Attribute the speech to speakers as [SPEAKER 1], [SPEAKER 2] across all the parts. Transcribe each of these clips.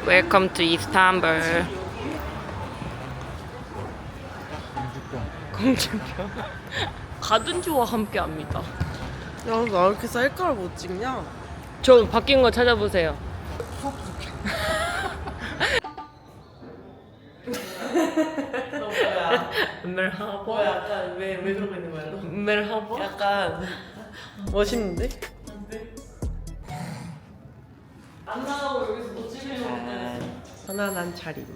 [SPEAKER 1] Welcome to Istanbul. 공주병. 가든지와 함께합니다.
[SPEAKER 2] 야, 나 이렇게 셀카를 못 찍냐?
[SPEAKER 1] 저 바뀐 거 찾아보세요.
[SPEAKER 2] 너 뭐야?
[SPEAKER 1] 멜하버.
[SPEAKER 2] 뭐 약간 왜 그러고 있는 거야? 너?
[SPEAKER 1] 멜하버.
[SPEAKER 2] 약간 멋있는데?
[SPEAKER 1] 안 나가고 여기서 못 찍으려고.
[SPEAKER 2] 편안한 차림.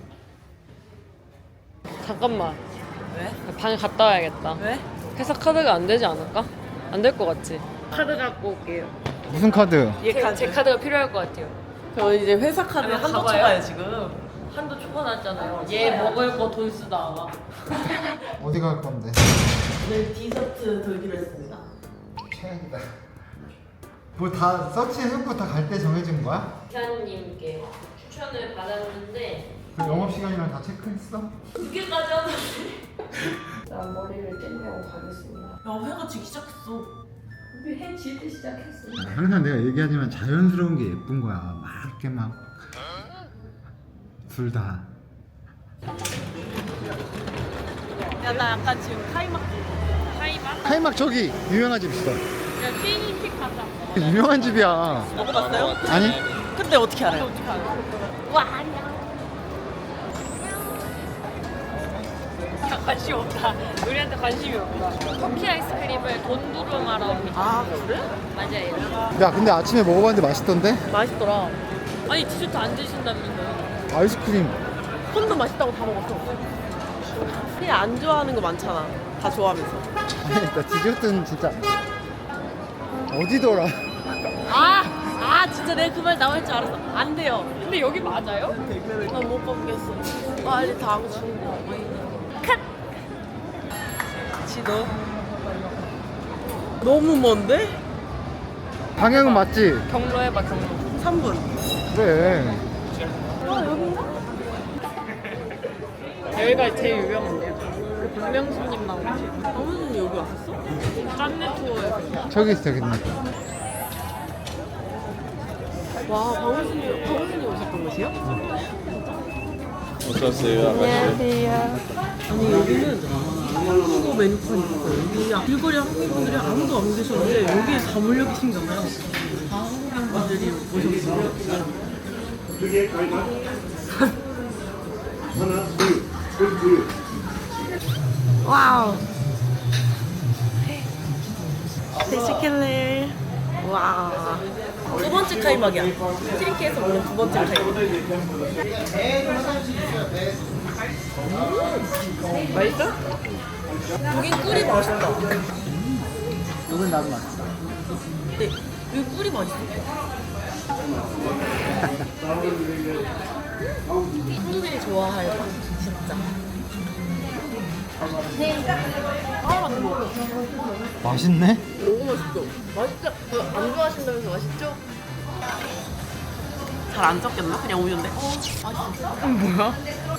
[SPEAKER 1] 잠깐만.
[SPEAKER 2] 왜?
[SPEAKER 1] 방에 갔다 와야겠다.
[SPEAKER 2] 왜?
[SPEAKER 1] 회사 카드가 안 되지 않을까? 안 될 것 같지? 카드 갖고 올게요.
[SPEAKER 3] 무슨 카드?
[SPEAKER 1] 제 카드가 필요할 것 같아요.
[SPEAKER 2] 저 이제 회사 카드에
[SPEAKER 1] 아니,
[SPEAKER 2] 한도
[SPEAKER 1] 가봐요.
[SPEAKER 2] 초과해 지금.
[SPEAKER 1] 한도 초과났잖아요. 얘 먹을 거 돈 쓰다가.
[SPEAKER 3] 어디 갈 건데?
[SPEAKER 2] 네, 디저트 돌기로 했습니다.
[SPEAKER 3] 최악이다. 뭐 다 서치해놓고 다 갈 때 정해진 거야?
[SPEAKER 1] 기사님께 추천을 받았는데
[SPEAKER 3] 그 영업 시간이랑 다 체크했어?
[SPEAKER 1] 2개까지 하는데 난 머리를 떼내고 가겠습니다.
[SPEAKER 2] 야, 회가 지기 시작했어.
[SPEAKER 1] 우리 해 지기 시작했어.
[SPEAKER 3] 항상 내가 얘기하지만 자연스러운 게 예쁜 거야. 막 이렇게 막 둘 다.
[SPEAKER 2] 야, 나 약간 지금 카이막.
[SPEAKER 3] 카이막 저기 유명한 집 있어.
[SPEAKER 1] 야 피니픽 가자.
[SPEAKER 3] 유명한 집이야.
[SPEAKER 2] 먹어봤어요?
[SPEAKER 3] 아니?
[SPEAKER 2] 근데 어떻게 알아요?
[SPEAKER 1] 와 안녕. 관심 없다. 우리한테 관심이 없다. 터키 아이스크림을 돈두루마라 합니다.
[SPEAKER 2] 아, 그래?
[SPEAKER 1] 맞아요.
[SPEAKER 3] 야 근데 아침에 먹어봤는데 맛있던데?
[SPEAKER 2] 맛있더라.
[SPEAKER 1] 아니 디저트 안 드신다면서요?
[SPEAKER 3] 아이스크림.
[SPEAKER 2] 콘도 맛있다고 다 먹었어. 그냥 안 좋아하는 거 많잖아. 다 좋아하면서.
[SPEAKER 3] 아니 나 디저트는 진짜 어디더라?
[SPEAKER 2] 진짜 내가 그 말 나올 줄 알았어. 안 돼요.
[SPEAKER 1] 근데 여기 맞아요?
[SPEAKER 2] 나 못 먹겠어. 빨리 다 하고 싶은 거. 지도. 너무 먼데?
[SPEAKER 3] 방향은 맞지?
[SPEAKER 1] 경로 해봐 경로.
[SPEAKER 2] 3분.
[SPEAKER 3] 그래.
[SPEAKER 1] 여기가 제일 유명한데요. 그 박명수님 나오지.
[SPEAKER 2] 방문은 여기 왔었어?
[SPEAKER 1] 짠내 투어에서.
[SPEAKER 3] 저기 있어 저기 있네.
[SPEAKER 2] 와, 방문순이 오셨던 곳이요?
[SPEAKER 1] 안녕하세요.
[SPEAKER 2] 아니, 여기는 한국어 메뉴판이 있어요. 여기 길거리 한국인분들이 아무도 안 계셨는데 여기에 다 몰려 계신가 봐요. 다 한국인분들이 오셨어요. 와우. 대시킬레. 와. 두 번째 카이막이야. 트리키에서 먹는 두 번째 카이막. 맛있어? 여긴 꿀이 맛있다.
[SPEAKER 3] 이건 나도 맛있어.
[SPEAKER 2] 네, 여기 꿀이 맛있어. 한국인이 좋아할 맛, 진짜.
[SPEAKER 3] 맛있네?
[SPEAKER 2] 너무 맛있죠? 맛있죠? 안 좋아하신다면서 맛있죠? 잘 안 섞였나? 그냥 우유인데? 맛있어.
[SPEAKER 1] 뭐야?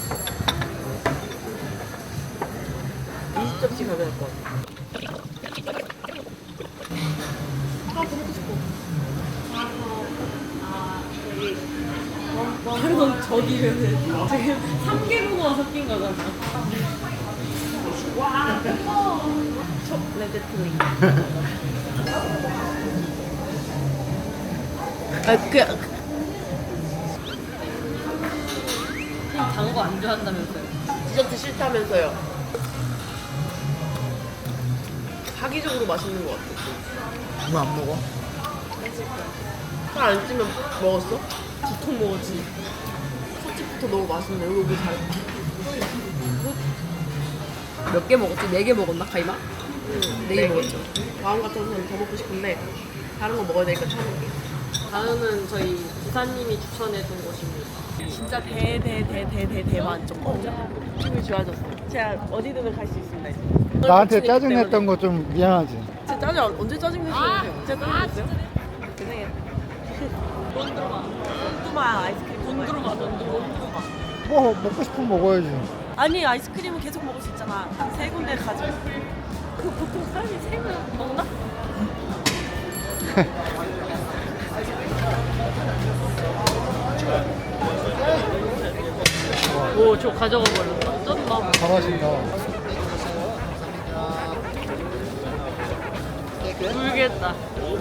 [SPEAKER 2] 20접시 가져갈 것 같아. 먹고 싶어.
[SPEAKER 1] 그래서 저기를 지금 3개국어가 섞인 거잖아.
[SPEAKER 2] 초콜릿 플링.
[SPEAKER 1] 단 거 안 좋아한다면서요?
[SPEAKER 2] 디저트 싫다면서요. 사기적으로 맛있는 것 같아.
[SPEAKER 3] 이거 안 먹어?
[SPEAKER 2] 살 안 찌면 먹었어? 두통 먹었지. 첫집부터 너무 맛있네. 여기 오길 잘했다.
[SPEAKER 1] 몇 개 먹었지? 4개 먹었나 가이마? 4개 먹었죠.
[SPEAKER 2] 마음 같아서는 더 먹고 싶은데 다른 거 먹어야 되니까 참을게.
[SPEAKER 1] 다음은 저희 부사님이 추천해준 곳입니다.
[SPEAKER 2] 진짜 대만족. 기분이 좋아졌어. 제가 어디든 갈 수 있습니다. 이제.
[SPEAKER 3] 나한테 짜증냈던 거 좀 미안하지?
[SPEAKER 2] 제 짜증 언제 짜증 내셨어요? 제가 짜증 냈어요? 죄송해요. 돈두마 아이스크림.
[SPEAKER 1] 돈두루마.
[SPEAKER 3] 뭐 먹고 싶으면 먹어야지.
[SPEAKER 2] 아니 아이스크림은 계속 먹을 수 있잖아. 세 군데 가져.
[SPEAKER 1] 그 보통 사람이 3명 먹나?
[SPEAKER 2] 오, 저 가져가 버렸다. 쩐다.
[SPEAKER 3] 잘하신다.
[SPEAKER 2] 울겠다.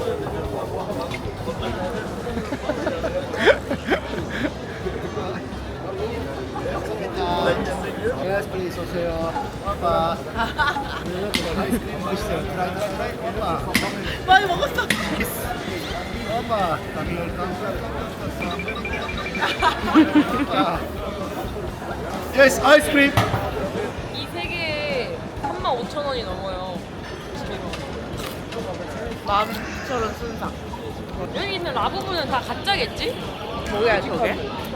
[SPEAKER 3] Yes, please 오세요. 아빠. 아이스크림 드시세요. 트라이. 엄마.
[SPEAKER 2] 많이 먹었어.
[SPEAKER 3] 엄마. Yes, 아이스크림.
[SPEAKER 1] 이 세 개에 35,000원이 넘어요.
[SPEAKER 2] 19,000원 순삭.
[SPEAKER 1] 여기 있는 라부부는 다 가짜겠지?
[SPEAKER 2] 뭐야 저게?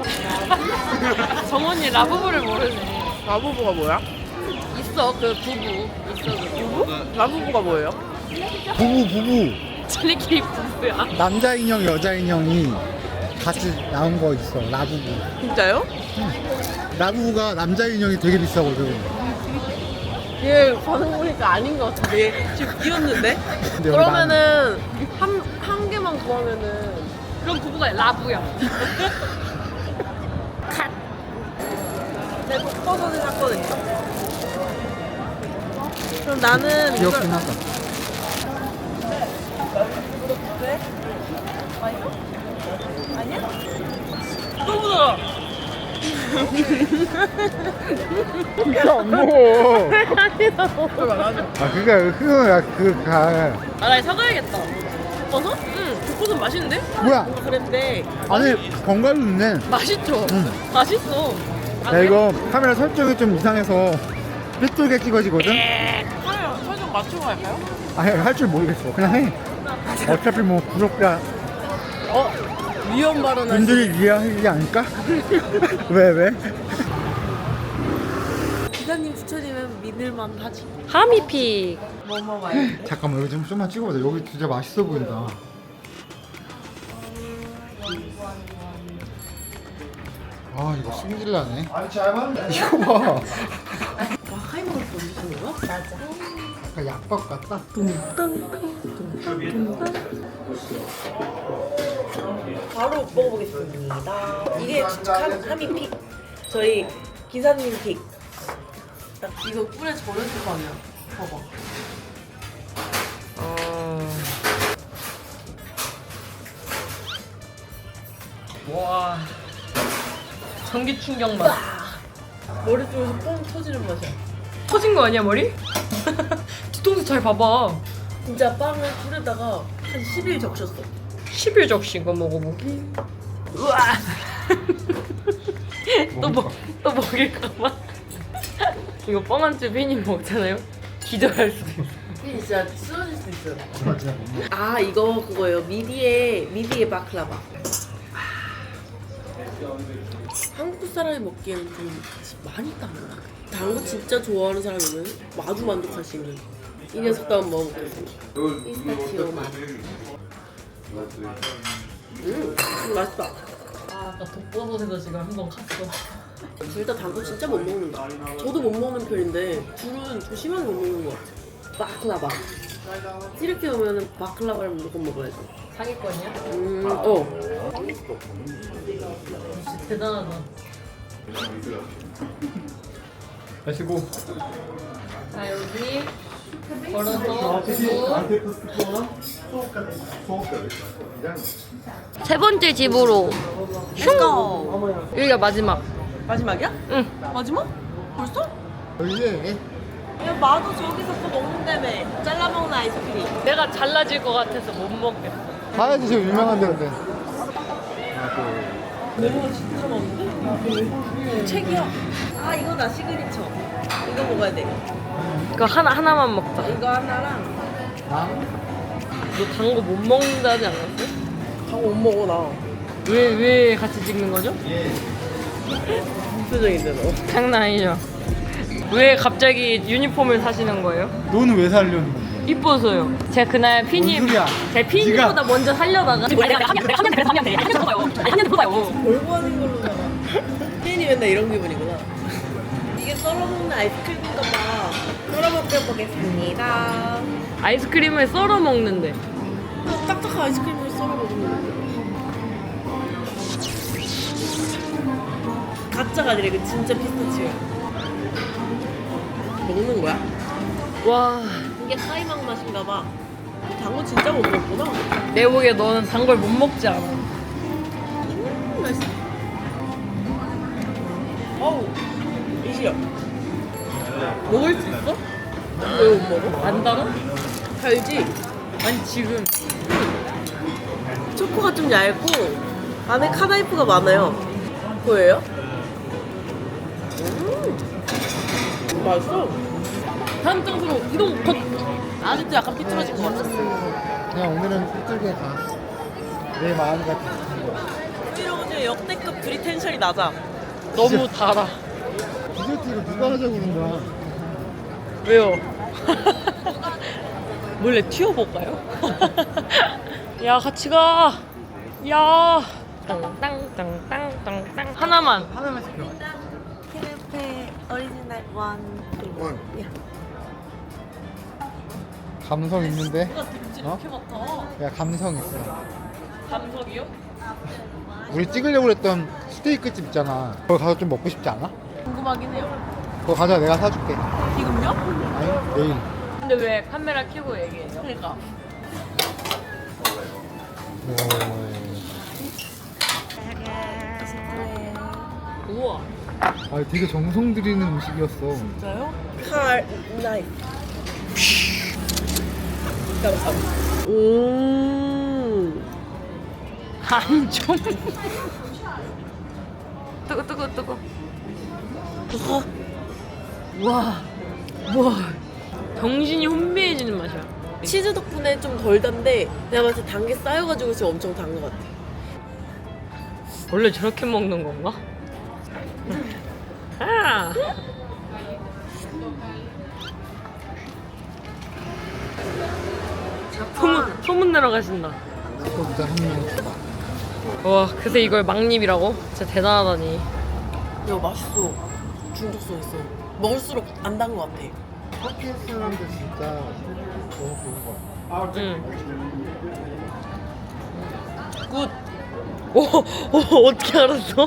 [SPEAKER 1] 정원이 라부부를 모르네.
[SPEAKER 2] 라부부가 뭐야?
[SPEAKER 1] 있어 그 부부. 있어 그 부부?
[SPEAKER 2] 라부부가 뭐예요?
[SPEAKER 3] 부부.
[SPEAKER 1] 저희끼리 부부야.
[SPEAKER 3] 남자 인형, 여자 인형이 같이 나온 거 있어. 라부부.
[SPEAKER 2] 진짜요?
[SPEAKER 3] 라부부가 남자 인형이 되게 비싸거든.
[SPEAKER 2] 얘 반응 보니까 아닌 것 같은데 얘 지금 비었는데?
[SPEAKER 3] 근데 여기
[SPEAKER 2] 그러면은 한 개만 구하면은
[SPEAKER 1] 그럼 부부가 라부야.
[SPEAKER 2] 내 독버섯을 샀거든요. 그럼 나는
[SPEAKER 3] 귀엽긴 하다.
[SPEAKER 2] 왜? 맛있어? 아니야? 또 묻어.
[SPEAKER 3] 진짜 안 먹어.
[SPEAKER 2] 맞아.
[SPEAKER 3] 아 그니까 그가
[SPEAKER 1] 아, 나 사가야겠다.
[SPEAKER 2] 버섯? 응. 독버섯 맛있는데?
[SPEAKER 3] 뭐야?
[SPEAKER 2] 그랬는데
[SPEAKER 3] 아니 견과류 있네.
[SPEAKER 1] 맛있죠?
[SPEAKER 3] 응.
[SPEAKER 1] 맛있어. 아,
[SPEAKER 3] 야 이거 카메라 설정이 좀 이상해서 삐뚤게 찍어지거든?
[SPEAKER 2] 설정 맞추고 갈까요?
[SPEAKER 3] 아니 할 줄 모르겠어. 그냥 해. 어차피 뭐 구독자
[SPEAKER 2] 위험 발언
[SPEAKER 3] 분들이 이해하지 않을까? 왜?
[SPEAKER 2] 기사님 추천이면 믿을만 하지.
[SPEAKER 1] 하미픽.
[SPEAKER 2] 뭐 먹어봐요?
[SPEAKER 3] 잠깐만 여기 좀만 찍어보자. 여기 진짜 맛있어 보인다. 아 이거 승질나네. 이거 봐.
[SPEAKER 2] 와 하이먹을 던지시는 거야? 맞아.
[SPEAKER 3] 약간 약밥 같다.
[SPEAKER 2] 바로 먹어보겠습니다. 이게 하미픽. 저희 기사님 픽. 이거 꿀에 절였을 거 아니야? 봐봐.
[SPEAKER 1] 와. 전기 충격 맛.
[SPEAKER 2] 머리 쪽에서 뻥 터지는 맛이야.
[SPEAKER 1] 터진 거 아니야 머리? 뒤통수 잘 봐봐.
[SPEAKER 2] 진짜 빵을 꿀에다가 한 10일 적셨어.
[SPEAKER 1] 10일 적신 거 먹어보기. 우와. 또 먹일까봐. 이거 뻥한째 팬이 먹잖아요. 기절할 수도 있어.
[SPEAKER 2] 진짜 쓰러질 수 있어요.
[SPEAKER 3] 정말 진짜 못 먹어.
[SPEAKER 2] 아 이거 그거예요. 미디의 바클라바. 한국 사람이 먹기에는 좀 많이 땀나. 단 거 진짜 좋아하는 사람이면 아주 만족할 수 있는 이 녀석도 한번 먹어보겠습니다. 피스타치오 맛. 맛있다.
[SPEAKER 1] 아, 아까 독버섯에서 지금 한 번 갔어.
[SPEAKER 2] 둘 다 단 거 진짜 못 먹는다. 저도 못 먹는 편인데 둘은 좀 심하게 못 먹는 것 같아. 바클라바. 이렇게 오면은 바클라바를 무조건 먹어야지.
[SPEAKER 1] 상위권이야? 진짜 대단하다.
[SPEAKER 3] 마시고.
[SPEAKER 1] 자 여기 걸어서 세 번째 집으로
[SPEAKER 2] 렛츠고!
[SPEAKER 1] 여기가 마지막.
[SPEAKER 2] 마지막이야?
[SPEAKER 1] 응.
[SPEAKER 2] 마지막? 벌써?
[SPEAKER 3] 여기에
[SPEAKER 2] 야 마도 저기서 또 먹는다며. 잘라먹는 아이스크림.
[SPEAKER 1] 내가 잘라질 것 같아서 못 먹겠어.
[SPEAKER 3] 가야지 지금 유명한 데인데.
[SPEAKER 2] 메뉴가 진짜 많은데? 책이야. 아 이거 나 시그니처. 이거 먹어야 돼.
[SPEAKER 1] 이거 하나만 먹자.
[SPEAKER 2] 이거 하나랑
[SPEAKER 1] 너 단 거 못 먹는다지 않았어?
[SPEAKER 2] 다못 먹어 나.
[SPEAKER 1] 왜 같이 찍는 거죠?
[SPEAKER 2] 무슨 표정인데 너?
[SPEAKER 1] 장난 아니죠? 왜 갑자기 유니폼을 사시는 거예요?
[SPEAKER 3] 너는 왜 살려는 거야?
[SPEAKER 1] 이뻐서요. 제가 그날 피님,
[SPEAKER 3] 뭔 소리야?
[SPEAKER 1] 제 피님보다
[SPEAKER 3] 네가-
[SPEAKER 1] 먼저 살려다가 내가 한년 돼. 한년 들어봐요.
[SPEAKER 2] 몰고 하는 걸로다가 혜인이 맨날 이런 기분이구나. 이게 썰어먹는 아이스크림인가 봐. 썰어먹어보겠습니다.
[SPEAKER 1] 아이스크림을 썰어 먹는데.
[SPEAKER 2] 딱딱한 아이스크림을 썰어먹는 갓 가짜가 아니라 이거 진짜 피스타치오야. 먹는 거야?
[SPEAKER 1] 와,
[SPEAKER 2] 이게 카이막 맛인가 봐. 당근 진짜 못 먹구나.
[SPEAKER 1] 내 보기에 너는 단 걸 못 먹지 않아.
[SPEAKER 2] 맛있어. 어우, 이시여. 먹을 수 있어? 왜 못 먹어?
[SPEAKER 1] 안 달아?
[SPEAKER 2] 달지?
[SPEAKER 1] 아니 지금
[SPEAKER 2] 초코가 좀 얇고 안에 카나이프가 많아요. 보여요? 맛있어. 다음 장소로 이동 곧. 아직도 약간 삐뚤어진 것 같았어.
[SPEAKER 3] 그냥 오늘은 삐뚤게 가. 내 마음이 같아.
[SPEAKER 2] 이러고 이제 역대급 둘이 텐션이 낮아.
[SPEAKER 1] 너무 달아.
[SPEAKER 3] 디저트 이거 누가 하자고 그런 거야?
[SPEAKER 1] 왜요? 몰래 튀어볼까요? 야 같이 가. 야. 땅땅땅땅땅땅 하나만.
[SPEAKER 3] 하나만 시켜.
[SPEAKER 2] 캐네페 오리지널 원.
[SPEAKER 3] 원. 감성 있는데?
[SPEAKER 1] 누가 든지
[SPEAKER 3] 어?
[SPEAKER 1] 이렇게 맡아.
[SPEAKER 3] 야 감성 있어.
[SPEAKER 1] 감성이요?
[SPEAKER 3] 우리 찍으려고 했던 스테이크 집 있잖아. 거기 가서 좀 먹고 싶지 않아?
[SPEAKER 2] 궁금하긴 해요.
[SPEAKER 3] 거기 가자 내가 사줄게.
[SPEAKER 2] 지금요?
[SPEAKER 3] 아니 내일.
[SPEAKER 1] 근데 왜 카메라 켜고 얘기해요?
[SPEAKER 2] 그러니까.
[SPEAKER 1] 우와.
[SPEAKER 3] 아 되게 정성 들이는 음식이었어.
[SPEAKER 2] 진짜요? 칼 나이프. 감사합니다.
[SPEAKER 1] 안 좀. 뜨거. 와. 정신이 혼미해지는 맛이야.
[SPEAKER 2] 치즈 덕분에 좀 덜 단데 내가 봤을 때 단 게 쌓여가지고 지금 엄청 단 것 같아.
[SPEAKER 1] 원래 저렇게 먹는 건가? 아. 소문 내러 가신다.
[SPEAKER 3] 거기다 한명 줘봐.
[SPEAKER 1] 와, 그새 이걸 막립이라고? 진짜 대단하다니.
[SPEAKER 2] 이거 맛있어. 중독성 있어. 먹을수록 안 단 것 같아.
[SPEAKER 3] 터키 사람들 진짜 너무 좋은 거야.
[SPEAKER 1] 응. 굿. 오, 어떻게 알았어?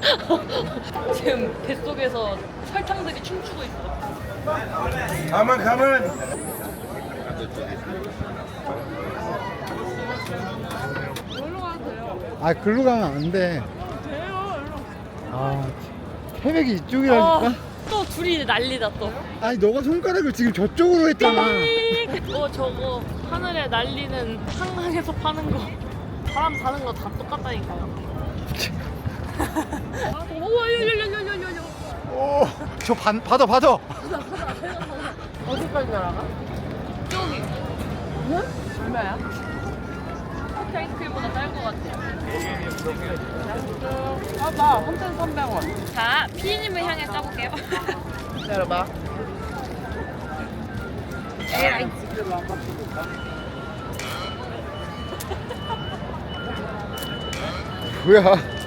[SPEAKER 1] 지금 뱃속에서 설탕들이 춤추고 있어.
[SPEAKER 4] 가만.
[SPEAKER 3] 아 글로 가면 안 돼. 아 태백이 이쪽이라니까.
[SPEAKER 1] 또 둘이 난리다 또.
[SPEAKER 3] 아니 너가 손가락을 지금 저쪽으로 했잖아.
[SPEAKER 1] 저거 하늘에 날리는 한강에서 파는 거 사람 사는 거 다 똑같다니까요. 우와, 요.
[SPEAKER 3] 저 받아.
[SPEAKER 2] 어디까지 날아가?
[SPEAKER 1] 저기. 응? 얼마야? 커피 아이스크림보다 쌀 것 같아.
[SPEAKER 2] 나 3,300원.
[SPEAKER 1] 자, 피디님을 향해 짜볼게요.
[SPEAKER 2] 기다려봐.
[SPEAKER 1] 에라이.
[SPEAKER 3] 뭐야?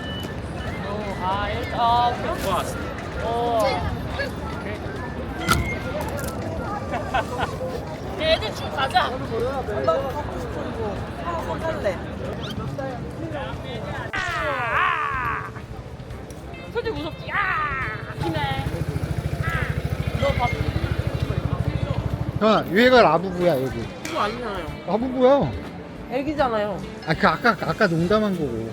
[SPEAKER 1] 애들 집 가자.
[SPEAKER 2] 나 갖고 싶어 이거. 하나 살래.
[SPEAKER 1] 솔직히 무섭지? 힘내. 너 봤어?
[SPEAKER 3] 형 얘가 라부부야 여기.
[SPEAKER 2] 이거 아니잖아요.
[SPEAKER 3] 라부부야.
[SPEAKER 2] 애기잖아요.
[SPEAKER 3] 아 그 아까 농담한 거고.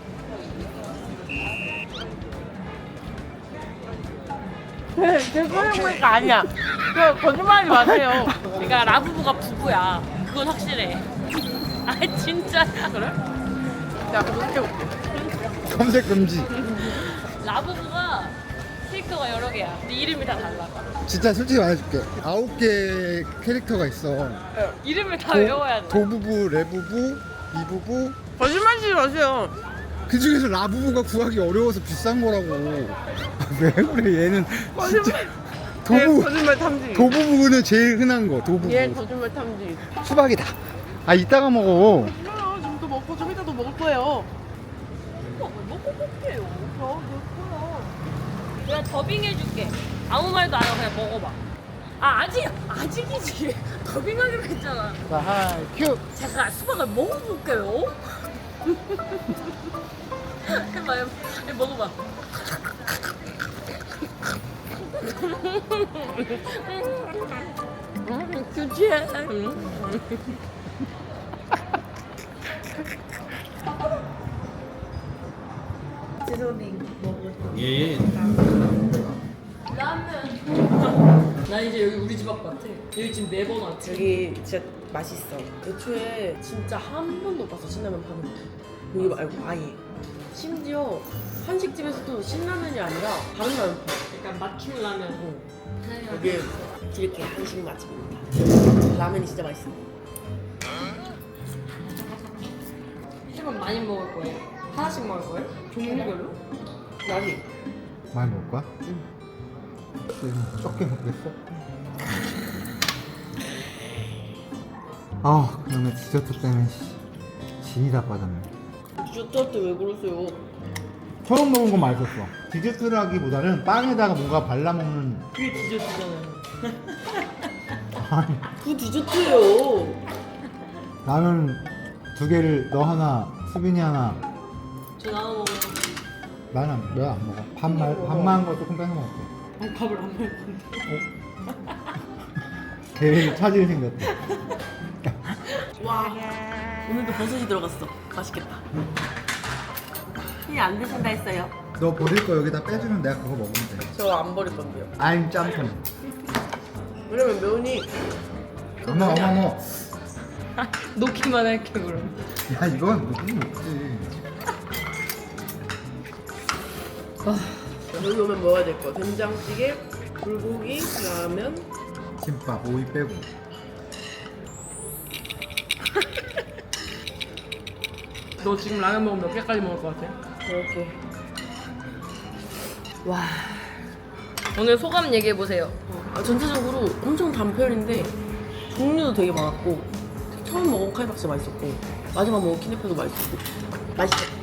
[SPEAKER 2] 제 소리 보니까 아니야. 그 거짓말하지 마세요.
[SPEAKER 1] 그러니까 라부부가 부부야. 그건 확실해. 아 진짜야. 그래?
[SPEAKER 2] 야, 검색해볼게.
[SPEAKER 3] 검색 금지.
[SPEAKER 1] 라부부가 캐릭터가 여러 개야. 근데 이름이 다 달라.
[SPEAKER 3] 진짜 솔직히 말해줄게. 9개 캐릭터가 있어.
[SPEAKER 1] 이름을 다 외워야 돼.
[SPEAKER 3] 도부부, 레부부, 이부부.
[SPEAKER 2] 거짓말하지 마세요.
[SPEAKER 3] 그 중에서 라부부가 구하기 어려워서 비싼 거라고. 왜 그래 얘는 진짜.
[SPEAKER 2] 거짓말 탐지.
[SPEAKER 3] 도부부는 제일 흔한 거. 도부부.
[SPEAKER 2] 얘 거짓말 탐지.
[SPEAKER 3] 수박이다. 아 이따가 먹어.
[SPEAKER 2] 싫어요. 지금도 먹고 좀 이따도 먹을 거예요.
[SPEAKER 1] 먹고 볼게요. 내가 더빙해줄게. 아무 말도 안 하고 그냥 먹어봐. 아직이지. 더빙하기로 했잖아.
[SPEAKER 3] 자 하이 큐.
[SPEAKER 1] 제가 수박을 먹어볼게요. 해봐요. 먹어봐.
[SPEAKER 2] 규지해. 제로링 먹을
[SPEAKER 3] 예.
[SPEAKER 1] 나 이제 여기 우리 집 앞 같아. 여기 지금 매번 왔지.
[SPEAKER 2] 여기 진짜 맛있어. 애초에 진짜 한 번도 못 봤어 신라면 파는 거. 여기 말고 아예. 심지어 한식집에서도 신라면이 아니라 다른 라면 파.
[SPEAKER 1] 약간 막힌 라면.
[SPEAKER 2] 여기 이렇게 한식 맛집입니다. 라면이 진짜 맛있어.
[SPEAKER 1] 술은 많이 먹을 거예요? 하나씩 먹을 거예요? 종류별로?
[SPEAKER 2] 많이.
[SPEAKER 3] 많이 먹을 거야? 적게 먹겠어? 아, 그러면 디저트 때문에 진이 다 빠졌네.
[SPEAKER 2] 디저트한테 왜 그러세요?
[SPEAKER 3] 처음 먹은 건 맛있었어. 디저트라기보다는 빵에다가 뭔가 발라먹는.
[SPEAKER 1] 그게 디저트잖아요.
[SPEAKER 3] 아니,
[SPEAKER 2] 그 디저트예요.
[SPEAKER 3] 라면 2개를 너 하나, 수빈이 하나.
[SPEAKER 1] 저 나눠 먹어요.
[SPEAKER 3] 나는 왜 안 먹어? 밥만 거 조금 뺏어 먹을게.
[SPEAKER 1] 아니 밥을 안 먹을 건데.
[SPEAKER 3] 계획 차질이 생겼다.
[SPEAKER 2] 와, 오늘도 버섯이 들어갔어. 맛있겠다. 그냥 안 드신다 했어요.
[SPEAKER 3] 너 버릴 거 여기다 빼주면 내가 그거 먹으면 돼.
[SPEAKER 2] 저 안 버릴 건데요.
[SPEAKER 3] 아임 짬뽕.
[SPEAKER 2] 왜냐면 면이
[SPEAKER 3] 어머.
[SPEAKER 1] 놓기만 할게 그럼.
[SPEAKER 3] 야, 이건 무슨 먹지.
[SPEAKER 2] 여기 오면 먹어야 될 거. 된장찌개, 불고기, 라면.
[SPEAKER 3] 김밥, 오이 빼고.
[SPEAKER 1] 너 지금 라면 먹으면 몇 개까지 먹을 것 같아?
[SPEAKER 2] 이렇게.
[SPEAKER 1] 와. 오늘 소감 얘기해 보세요.
[SPEAKER 2] 전체적으로 엄청 단편인데 종류도 되게 많았고 처음 먹은 칼국수 맛있었고 마지막 먹은 키네페도 맛있었고 맛있어.